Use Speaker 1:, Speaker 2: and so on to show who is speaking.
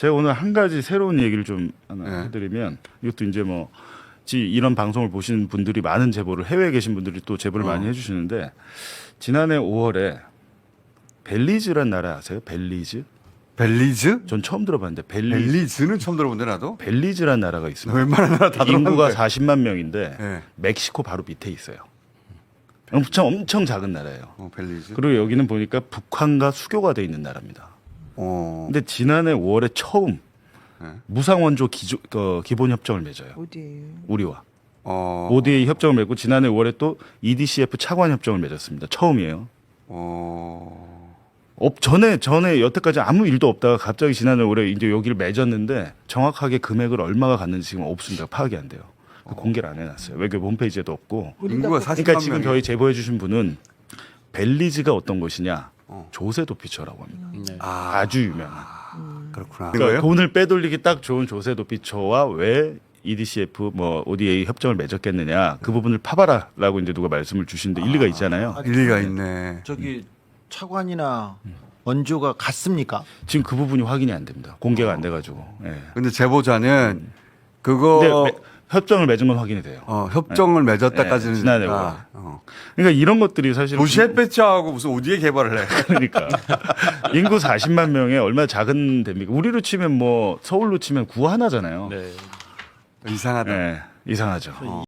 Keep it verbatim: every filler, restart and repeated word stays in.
Speaker 1: 제가 오늘 한 가지 새로운 얘기를 좀 하나
Speaker 2: 네.
Speaker 1: 해드리면 이것도 이제 뭐 지- 이런 방송을 보시는 분들이 많은 제보를 해외에 계신 분들이 또 제보를
Speaker 2: 어.
Speaker 1: 많이 해주시는데 지난해 오월에 벨리즈란 나라 아세요? 벨리즈?
Speaker 2: 벨리즈?
Speaker 1: 전 처음 들어봤는데 벨리즈.
Speaker 2: 벨리즈는 처음 들어본데 나도.
Speaker 1: 벨리즈란 나라가 있습니다.
Speaker 2: 웬만한 나라 다 들어봤는데.
Speaker 1: 인구가 사십만 명인데
Speaker 2: 네.
Speaker 1: 멕시코 바로 밑에 있어요. 엄청 엄청 작은 나라예요.
Speaker 2: 어, 벨리즈.
Speaker 1: 그리고 여기는 보니까 북한과 수교가 돼 있는 나라입니다.
Speaker 2: 어.
Speaker 1: 근데 지난해 오월에 처음
Speaker 2: 네.
Speaker 1: 무상원조 기조, 어, 기본 협정을 맺어요.
Speaker 3: 어디에요?
Speaker 1: 우리와
Speaker 2: 어.
Speaker 1: 오디에이 협정을 맺고 지난해 오월에 또 이디씨에프 차관 협정을 맺었습니다. 처음이에요.
Speaker 2: 어.
Speaker 1: 업 전에 전에 여태까지 아무 일도 없다가 갑자기 지난해 올해 이제 여기를 맺었는데 정확하게 금액을 얼마가 갔는지 지금 없습니다. 파악이 안 돼요. 그 공개를 안 해놨어요. 외교부 홈페이지에도 없고.
Speaker 2: 인구가 사십만
Speaker 1: 그러니까 지금
Speaker 2: 명이에요.
Speaker 1: 저희 제보해주신 분은 벨리즈가 어떤 것이냐?
Speaker 2: 어.
Speaker 1: 조세 도피처라고 합니다.
Speaker 4: 네.
Speaker 2: 아,
Speaker 1: 아주 유명한.
Speaker 2: 그렇구나.
Speaker 1: 그러니까
Speaker 2: 그거예요?
Speaker 1: 돈을 빼돌리기 딱 좋은 조세 도피처와 왜 이디씨에프 뭐 오디에이 협정을 맺었겠느냐 그 부분을 파봐라라고 이제 누가 말씀을 주시는데 일리가 있잖아요.
Speaker 2: 일리가 있네.
Speaker 4: 저기 차관이나 원조가 같습니까?
Speaker 1: 지금 그 부분이 확인이 안 됩니다. 공개가 안 돼가지고. 예.
Speaker 2: 근데 제보자는 그거
Speaker 1: 근데 매- 협정을 맺은 건 확인이 돼요.
Speaker 2: 어, 협정을 맺었다까지는
Speaker 1: 네, 지난해
Speaker 2: 아,
Speaker 1: 오월.
Speaker 2: 어.
Speaker 1: 그러니까 이런 것들이 사실
Speaker 2: 도시 햇볕하고 무슨 오디에 개발을 해.
Speaker 1: 그러니까 인구 사십만 명에 얼마나 작은 데입니까? 우리로 치면 뭐 서울로 치면 구 하나잖아요.
Speaker 4: 네.
Speaker 2: 이상하다.
Speaker 1: 예, 이상하죠.
Speaker 2: 어.